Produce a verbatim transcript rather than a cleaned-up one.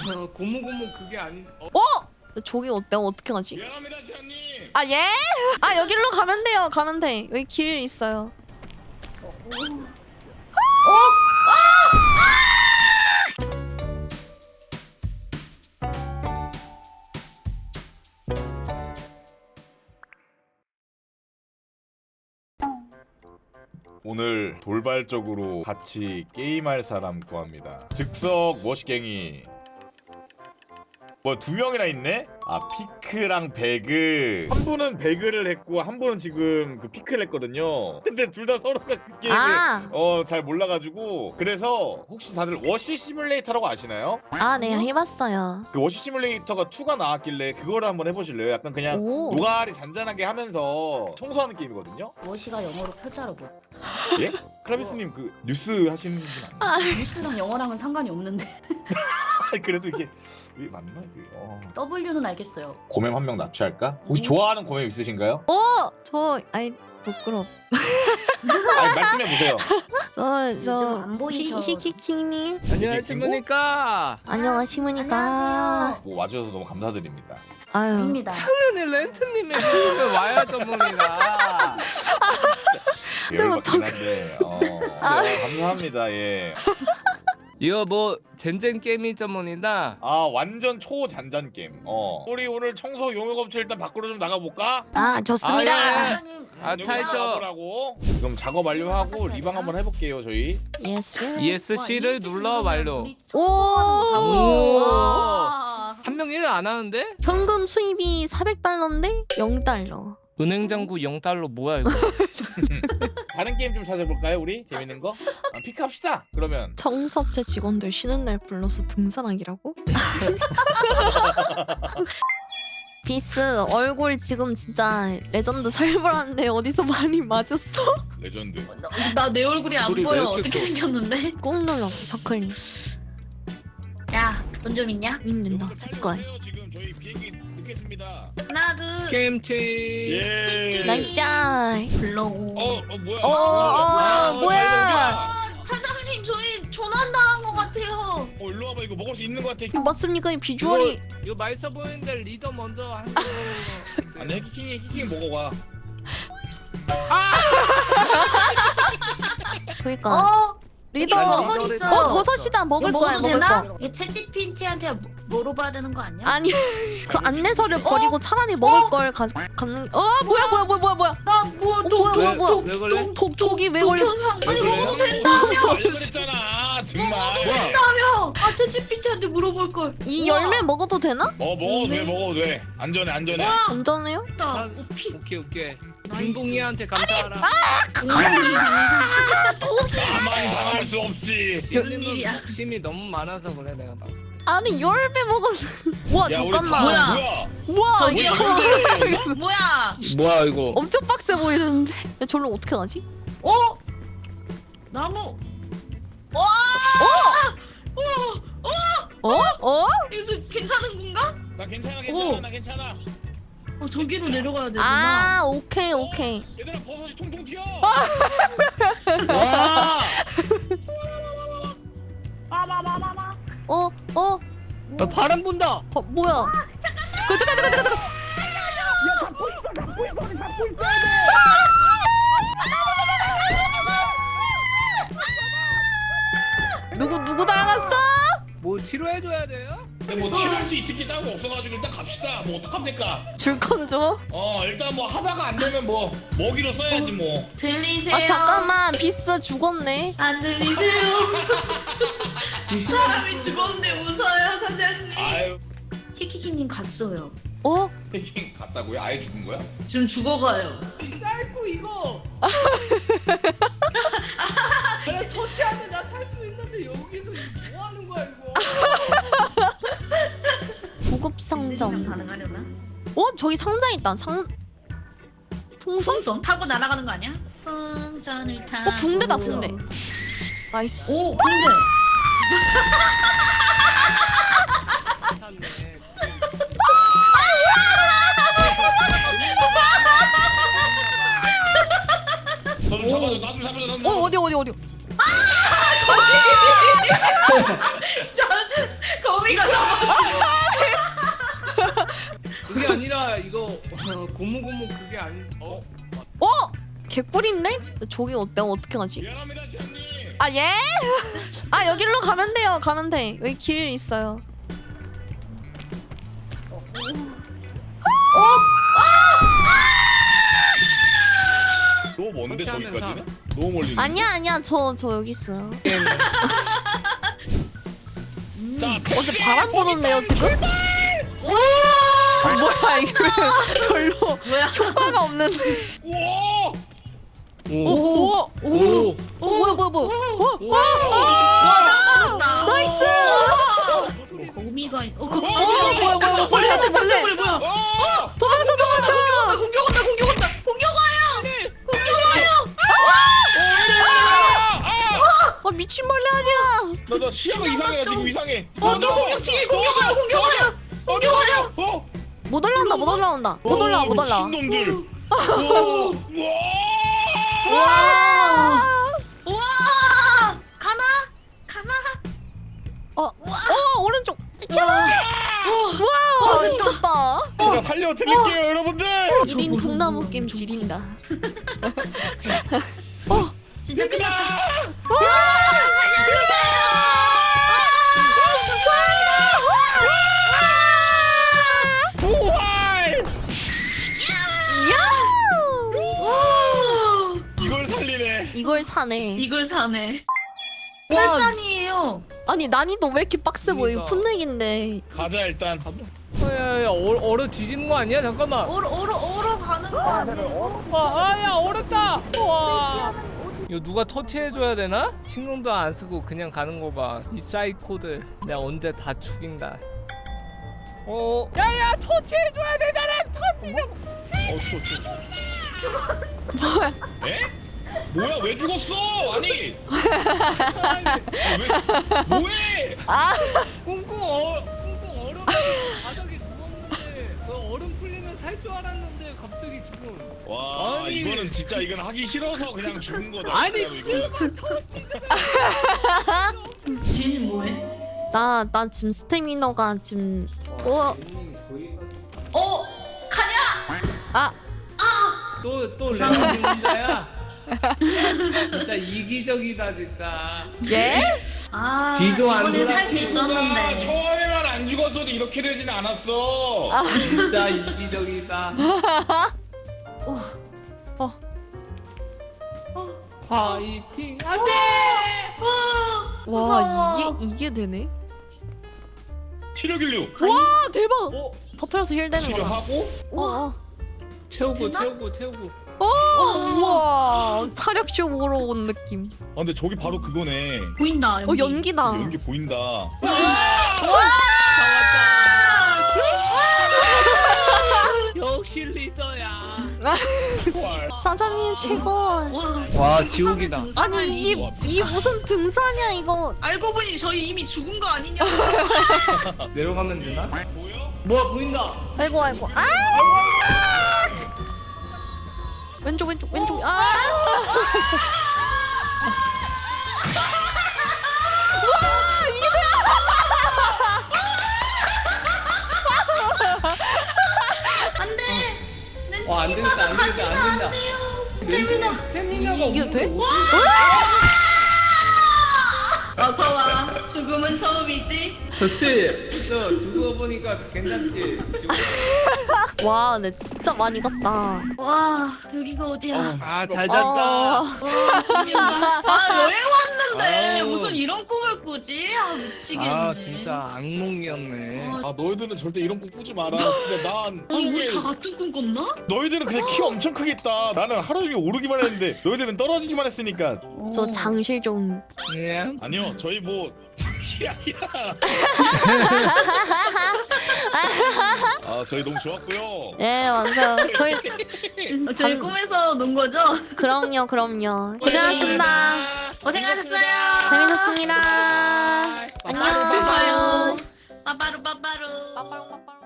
어, 고무고무 그게 아닌. 어? 어? 저기 어때? 어떻게 가지? 미안합니다 지안님. 아 예? 아 여기로 가면 돼요. 가면 돼. 여기 길 있어요. 오늘 돌발적으로 같이 게임할 사람 구합니다. 즉석 머시갱이. 뭐 두 명이나 있네? 아 피크랑 배그. 한 분은 배그를 했고 한 분은 지금 그 피크를 했거든요. 근데 둘 다 서로가 그 게임을 아, 어 잘 몰라가지고. 그래서 혹시 다들 워시 시뮬레이터라고 아시나요? 아, 네 해봤어요. 그 워시 시뮬레이터가 이가 나왔길래 그거를 한번 해보실래요? 약간 그냥 오. 노가리 잔잔하게 하면서 청소하는 게임이거든요. 워시가 영어로 표자로 뭐 예? 크라비스님 그 뉴스 하시는 분 아니에요? 뉴스랑 영어랑은 상관이 없는데 그래도 이게 이게 맞나 이게? 어. W는 알겠어요. 고멤 한 명 납치할까? 혹시 좋아하는 고멤 있으신가요? 어, 저 아이 부끄럽. 아니 말씀해 보세요. 저 요즘 저 안 보이셔. 히키키님 안녕하십니까. 안녕하십니까? 안녕하세요. 뭐 와주셔서 너무 감사드립니다. 아유. 아닙니다. 당연히 렌트님의 모임에 와야죠 모니가. 열받긴 한데 어, 아. 네, 감사합니다. 예. 이거 뭐 젠젠 게임이죠 모니다. 아 완전 초잔잔 게임. 어. 우리 오늘 청소 용역업체 일단 밖으로 좀 나가 볼까? 아 좋습니다. 아, 예. 사장님, 아, 타이저. 나가보라고. 지금 작업 완료하고 리방 한번 해볼게요 저희. 예스. 이에스씨를 눌러 완료. 오. 와. 한 명 일을 안 하는데? 현금 수입이 사백 달러인데 영 달러. 은행 잔고 영 달러 뭐야 이거? 다른 게임 좀 찾아볼까요 우리? 재밌는 거? 아, 픽합시다 그러면. 청소업체 직원들 쉬는 날 불러서 등산하기라고? 비스 얼굴 지금 진짜 레전드 살벌한데 어디서 많이 맞았어? 레전드. 나 내 얼굴이 안 얼굴이 왜 보여. 이렇게 어떻게 커? 생겼는데? 꾹 눌러 저클릭. 야, 돈 좀 있냐? 있는다 색깔. 지금 저희 비행기 늦겠습니다. 하나, 둘, 게임체. 예. 날짜. 블로그. 어, 어 뭐야? 어, 어, 아, 뭐야? 사장님, 저희 조난당한 것 같아요. 어 일로 와봐 이거 먹을 수 있는 거 같아. 이거 맞습니까? 이 비주얼이. 이거 맛있어 보이는데 리더 먼저 하는 아니 키킹이 키킹 먹어봐. 그러니까 어? 리더. 이거 어 버섯 있어요. 버섯이다 먹을 이거 거야 먹어도 먹을 되나? 거. 이게 채찌피티한테 물어봐야 되는 거 아니야? 아니 그 안내서를 버리고 차라리 먹을 걸 가, 갖는. 어 뭐야 뭐야 뭐야 뭐야 뭐야. 나 뭐, 어, 뭐야 뭐야 뭐야. 왜 그래? 독독이 왜 걸렸지? 독현상. 아니, 왜 먹어도 그래? 된다며. 안 그랬잖아 정말. 된다며. 아, 채찌피티한테 물어볼 걸. 이 우와. 열매 먹어도 되나? 어 먹어도 돼 먹어도 돼. 안전해 안전해. 안전해요? 나 아, 피. 오케이 오케이. 김동희한테 감사하라. 나만 당할 수 없지. 무슨 님 일이야? 욕심이 너무 많아서 그래 내가 봤을 때. 아니 열매 먹었어. 와 야, 우리 잠깐만. 다- 뭐야? 뭐야? 우와 저기요. 이거 뭐야? 뭐야 이거? 엄청 빡세 보이는데. 야, 저로 어떻게 가지? 어? 나무. 와! 어? 어? 이거 괜찮은 건가? 나 괜찮아 괜찮아 오. 나 괜찮아. 어, 저기로 내려가야 되구나. 아 오케이 오케이. 얘들아 버섯이 통통 튀어. 와! 빠바바바바. 어 어. 야, 바람 분다. 어 뭐야? 그 잠깐 잠깐 잠깐 잠깐. 누구 누구 날아갔어? 뭐 치료해줘야 돼요? 근데 뭐 치료할 수 있을 게 따로 없어가지고 일단 갑시다. 뭐 어떡하면 될까? 줄 건 줘? 어 일단 뭐 하다가 안 되면 뭐 먹이로 써야지 뭐. 들리세요? 아 잠깐만 비스 죽었네. 안 들리세요? 사람이 죽었는데 웃어요, 사장님. 아유 히키키님 갔어요. 어? 갔다고요? 아예 죽은 거야? 지금 죽어가요. 쌀고 이거. 그래 터치하면 나 살 수 있는데 여기서 뭐 하는 거야 이거? 구급 상점. 가능하려나? 어 저기 상자 있다. 상 풍선? 풍선 타고 날아가는 거 아니야? 풍선을 타고. 어 붕대다 붕대. 나이스. 오, 붕대. 샀네. 너좀 잡아줘 나좀 잡아줘 나좀 어 어디 어디 어디. 거미가 그게 아니라 이거 어, 고무고무 그게 아니. 어? 어? 개꿀인데? 저기 어, 내가 어떻게 가지? 미안합니다 지안님. 아 예? 아 여기로 가면 돼요. 가면 돼. 여기 길 있어요. 너무 먼데 그렇게 하면 저기까지는? 너무 멀리. 아니야 아니야 저 저 여기 있어요. 자, 어제 바람 부는데요 지금? 뭐야 이게 별로 뭐야? 효과가 없는데. 우와! 오, 오, 오, 오. 어, 뭐야 뭐야 뭐야? 어, 와. 와, 나이스. 거미가 있- 어, 어, 거- 어, 뭐야 뭐야 벌레다 벌레. 벌레 뭐야? 어! 도망쳐 도망쳐. 공격 온다 공격 온다 공격 와요. 공격 와요. 아 미친 벌레 아니야. 나, 나 시야가 이상해. 나 지금 이상해. 어, 또 공격 뒤에 공격 와요 공격 와요. 공격 와요. 어? 못 올라온다 못 올라온다. 못 올라와 못 올라와. 미친놈들. 우와! 우와! 와. 우와 가마 가마. 어, 어 오른쪽. 와, 미쳤다. 제가 살려드릴게요 여러분들. 일 인 통나무 게임 지린다. 진짜 끝났다. 부활! 야! 이걸 살리네. 이걸 사네. 이걸 사네. 와. 팔산이에요. 아니 난이도 왜 이렇게 빡세 보여? 그러니까. 풋내기인데. 가자 일단. 야야야 얼어 뒤지는 거 아니야? 잠깐만. 오러 오러 오러 가는 거 아니에요? 와, 아야 얼었다. 와. 이거 누가 터치해줘야 되나? 신경도 안 쓰고 그냥 가는 거 봐. 이 사이코들 내가 언제 다 죽인다. 어, 야야 터치해줘야 되잖아. 터치 좀. 어, 추워, 추워, 추워. 뭐야? 에? 뭐야? 왜 죽었어? 아니. 아, 왜? 뭐해? 아, 꽁꽁 어, 꽁꽁 얼어. 바닥에 누웠는데 그 얼음 풀리면 살 줄 알았는데 갑자기 죽음. 와, 아니. 이거는 진짜 이건 하기 싫어서 그냥 죽은 거다. 아니 진짜로 이거. 지인 뭐해? 나 나 지금 스태미너가 지금 어. 어 가냐? 아, 또또 레몬 혼자야. 진짜 이기적이다 진짜. 예? 아 뒤도 안 이번에 살 수 돌아보는구나. 있었는데. 처음에만 안 죽었어도 이렇게 되진 않았어. 아. 진짜 이기적이다. 어. 어. 어. 파이팅 안돼. 와 와, 무서워. 이게 이게 되네. 치료 길류. 와, 대박. 어 터트려서 힐 되는 거다. 치료하고. 어. 채우고 되나? 채우고 채우고. 어. 우와. 차력쇼 보러 온 느낌. 아 근데 저기 바로 그거네. 보인다 어, 여기. 연기다. 연기 보인다. 역시 리더야. 부활. 사장님 최고. 와. 와 지옥이다. 아니 이게 이 무슨 등산이야 이거. 알고 보니 저희 이미 죽은 거 아니냐? 내려가면 되나? 보여? 뭐야 보인다. 아이고 아이고. 아! 왼쪽 왼쪽 왼쪽. 아! 안돼. 내 와, 안 되겠다, 안 되겠다, 가지면 안 된다. 안 돼요. 스태미나. 스태미나가 이게 없는데 돼? 어디- 어서 와. 죽음은 처음이지. 좋지. 저 두고 보니까 괜찮지. 지금. 와, 내 진짜 많이 갔다. 와 여기가 어디야? 아잘 어. 잤다. 와, 아 여행 왔는데 아우. 무슨 이런 꿈을 꾸지? 아 미치겠네. 아 진짜 악몽이었네. 아, 아 너희들은 절대 이런 꿈 꾸지 마라. 진짜 난 아니 우리 꿈에 다 같은 꿈 꿨나? 너희들은 그냥 키 엄청 크겠다. 나는 하루 종일 오르기만 했는데 너희들은 떨어지기만 했으니까. 저 장실 좀. 예. 아니요, 저희 뭐 장식이 아니라. 아 저희 너무 좋았고요. 예, 맞아요. 저희 어, 저희 방- 꿈에서 논 거죠? 그럼요, 그럼요. 고생하셨습니다. 고생하셨어요. 재밌었습니다. 바이. 안녕. 빠빠루 빠빠루. 빠빠루 빠빠루. 빠빠롱 빠빠롱.